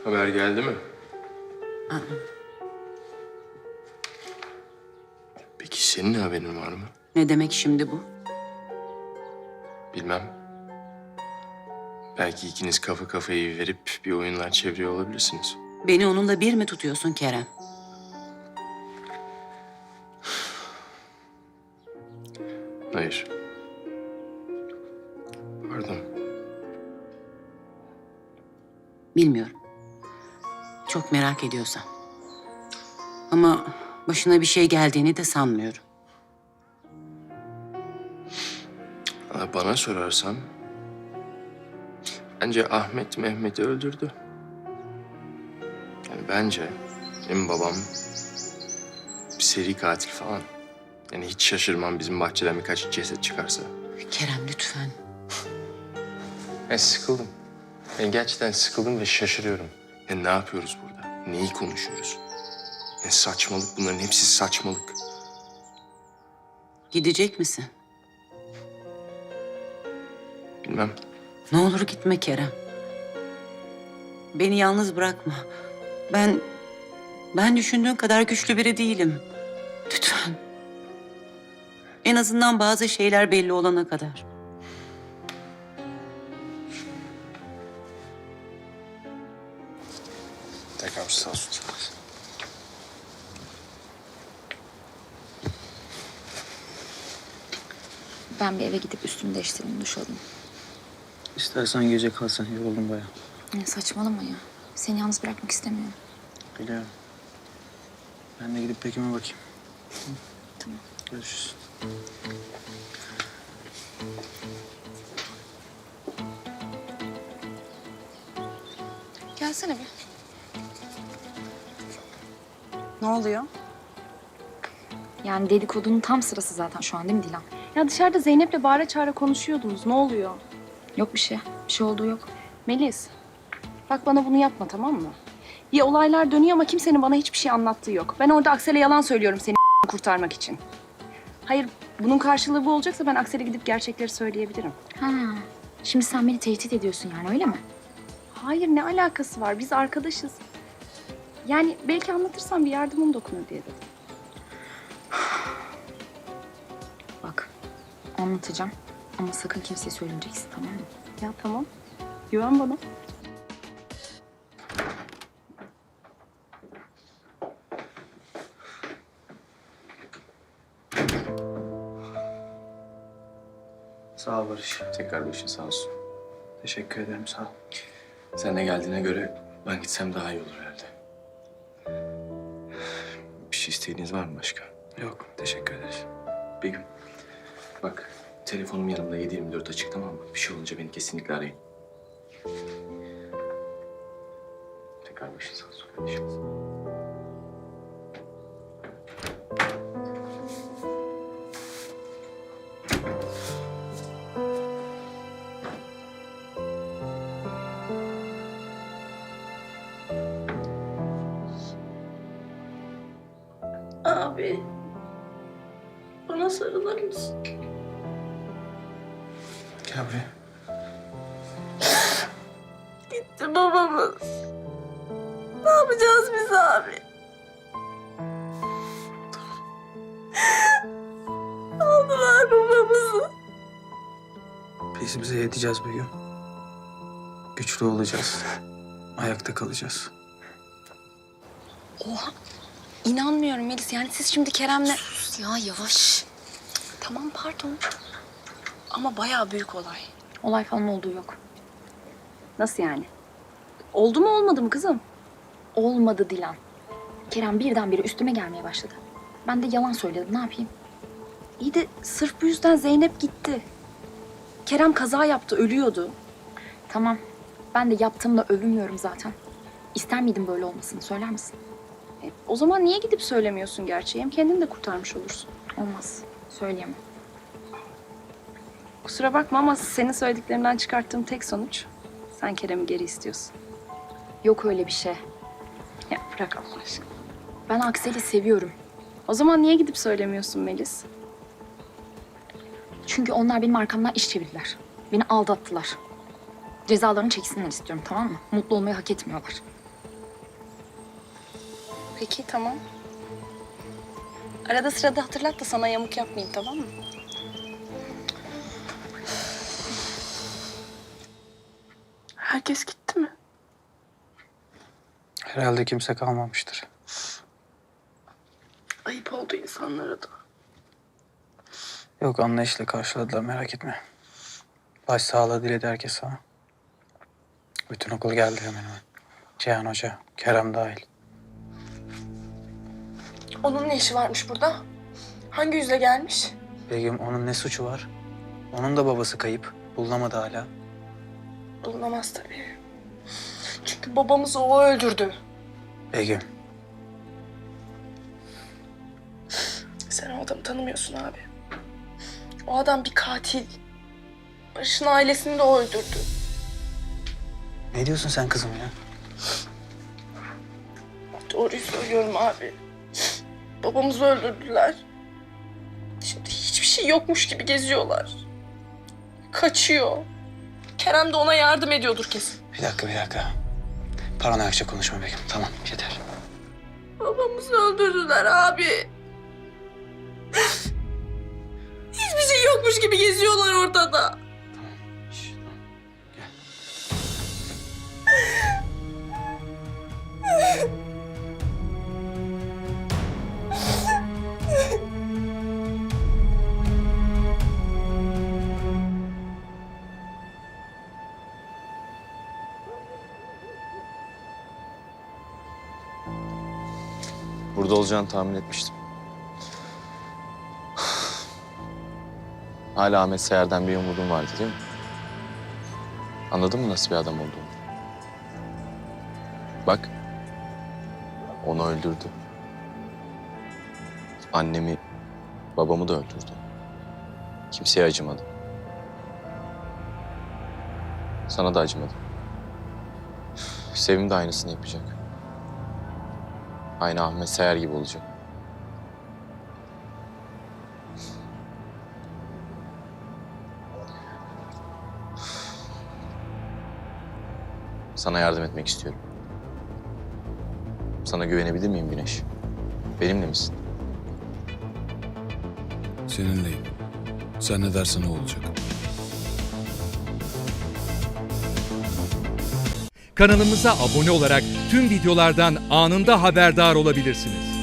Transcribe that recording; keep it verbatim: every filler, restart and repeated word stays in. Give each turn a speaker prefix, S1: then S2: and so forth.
S1: Haber geldi mi?
S2: Aa,
S1: Peki senin haberin var mı?
S2: ne demek şimdi bu?
S1: Bilmem. Belki ikiniz kafa kafayı verip bir oyunlar çeviriyor olabilirsiniz.
S2: Beni onunla bir mi tutuyorsun Kerem?
S1: Hayır. Pardon.
S2: Bilmiyorum. Çok merak ediyorsan. Ama başına bir şey geldiğini de sanmıyorum.
S1: Ama bana sorarsan... Bence Ahmet Mehmet'i öldürdü. Yani bence benim babam bir seri katil falan. Yani hiç şaşırmam bizim bahçeden birkaç ceset çıkarsa.
S2: Kerem lütfen.
S1: Ben sıkıldım. Ben gerçekten sıkıldım ve şaşırıyorum. Ya ne yapıyoruz burada? Neyi konuşuyoruz? Ya saçmalık, bunların hepsi saçmalık.
S2: Gidecek misin?
S1: Bilmem.
S2: Ne olur gitme Kerem. Beni yalnız bırakma. Ben... Ben düşündüğün kadar güçlü biri değilim. Lütfen. En azından bazı şeyler belli olana kadar.
S1: Tekrar sağ olsun.
S3: Ben bir eve gidip üstümü değiştireyim, duş alayım.
S4: İstersen gece kalsan, yoruldum bayağı.
S3: Ya saçmalama ya. Seni yalnız bırakmak istemiyorum.
S4: Biliyorum. Ben de gidip Bekim'e bakayım.
S3: Tamam.
S4: Görüşürüz.
S5: Gelsene bir. Ne oluyor?
S3: Yani dedikodunun tam sırası zaten şu an değil mi Dilan?
S5: Ya dışarıda Zeynep'le bağıra çağıra konuşuyordunuz. Ne oluyor?
S3: Yok bir şey. Bir şey olduğu yok.
S5: Melis, bak bana bunu yapma tamam mı? Bir olaylar dönüyor ama kimsenin bana hiçbir şey anlattığı yok. Ben orada Aksel'e yalan söylüyorum seni kurtarmak için. Hayır, bunun karşılığı bu olacaksa ben Aksel'e gidip gerçekleri söyleyebilirim.
S3: Ha. Şimdi sen beni tehdit ediyorsun yani öyle mi?
S5: Hayır, ne alakası var? Biz arkadaşız. Yani belki anlatırsam bir yardımım dokunur diye dedim.
S3: Bak anlatacağım ama sakın kimseye söylemeyeceksin tamam mı?
S5: Ya tamam, güven bana.
S4: Sağ ol Barış.
S1: Tekrar başın sağ olsun.
S4: Teşekkür ederim, sağ ol.
S1: Sen de geldiğine göre ben gitsem daha iyi olur herhalde. Bir şey isteğiniz var mı başka?
S4: Yok, teşekkür ederiz.
S1: Begüm, bak telefonum yanımda yedi yirmi dört açık tamam mı? Bir şey olunca beni kesinlikle arayın. Tekrar başın sağ olsun kardeşim.
S5: Abi, bana sarılır mısın?
S4: Gel buraya.
S5: Gitti babamız. Ne yapacağız biz abi? Aldılar babamızı.
S4: Biz bize yeteceğiz Begüm. Güçlü olacağız. Ayakta kalacağız.
S5: Oha, inanmıyorum Melis. Yani siz şimdi Kerem'le...
S3: Sus ya yavaş.
S5: Tamam pardon. Ama bayağı büyük olay.
S3: Olay falan olduğu yok.
S5: Nasıl yani? Oldu mu olmadı mı kızım?
S3: Olmadı Dilan. Kerem birdenbire üstüme gelmeye başladı. Ben de yalan söyledim ne yapayım?
S5: İyi de sırf bu yüzden Zeynep gitti. Kerem kaza yaptı, ölüyordu.
S3: Tamam. Ben de yaptığımla övünmüyorum zaten. İster miydin böyle olmasını söyler misin?
S5: E, o zaman niye gidip söylemiyorsun gerçeği? Hem kendini de kurtarmış olursun.
S3: Olmaz. Söyleyemem.
S5: Kusura bakma ama senin söylediklerinden çıkarttığım tek sonuç... sen Kerem'i geri istiyorsun.
S3: Yok öyle bir şey.
S5: Ya bırak Allah aşkına.
S3: Ben Aksel'i seviyorum.
S5: O zaman niye gidip söylemiyorsun Melis?
S3: Çünkü onlar benim arkamdan iş çevirdiler. Beni aldattılar. Cezalarını çeksinler istiyorum tamam mı? Mutlu olmayı hak etmiyorlar.
S5: Peki tamam. Arada sırada hatırlat da sana yamuk yapmayayım, tamam mı?
S6: Herkes gitti mi?
S4: Herhalde kimse kalmamıştır.
S6: Ayıp oldu insanlara da.
S4: Yok, anlayışla karşıladılar, merak etme. Başsağlığı diledi herkes sana. Bütün okul geldi hemen hemen. Cihan Hoca, Kerem dahil.
S6: Onun ne işi varmış burada? Hangi yüzle gelmiş?
S4: Begüm, onun ne suçu var? Onun da babası kayıp. Bulunamadı hala.
S6: Bulunamaz tabii. Çünkü babamızı o öldürdü.
S4: Begüm,
S6: Sen o adamı tanımıyorsun abi. O adam bir katil. Barış'ın ailesini de o öldürdü.
S4: ne diyorsun sen kızım ya?
S6: Doğruyu söylüyorum abi. Babamızı öldürdüler. Şimdi hiçbir şey yokmuş gibi geziyorlar. Kaçıyor. Kerem de ona yardım ediyordur kesin.
S4: Bir dakika, bir dakika. Paranoyakça konuşma Begüm. Tamam, yeter.
S6: Babamızı öldürdüler abi. Hiçbir şey yokmuş gibi geziyorlar ortada.
S4: Şş, tamam. Gel.
S7: Burada olacağını tahmin etmiştim. Hala Ahmet Seher'den bir umudum vardı değil mi? Anladın mı nasıl bir adam olduğunu? Bak, onu öldürdü. Annemi, babamı da öldürdü. Kimseye acımadı. Sana da acımadı. Sevim de aynısını yapacak. Aynı Ahmet Seher gibi olacak. Sana yardım etmek istiyorum. Sana güvenebilir miyim Güneş? Benimle misin?
S8: Seninleyim. Sen ne dersen o olacak.
S9: Kanalımıza abone olarak tüm videolardan anında haberdar olabilirsiniz.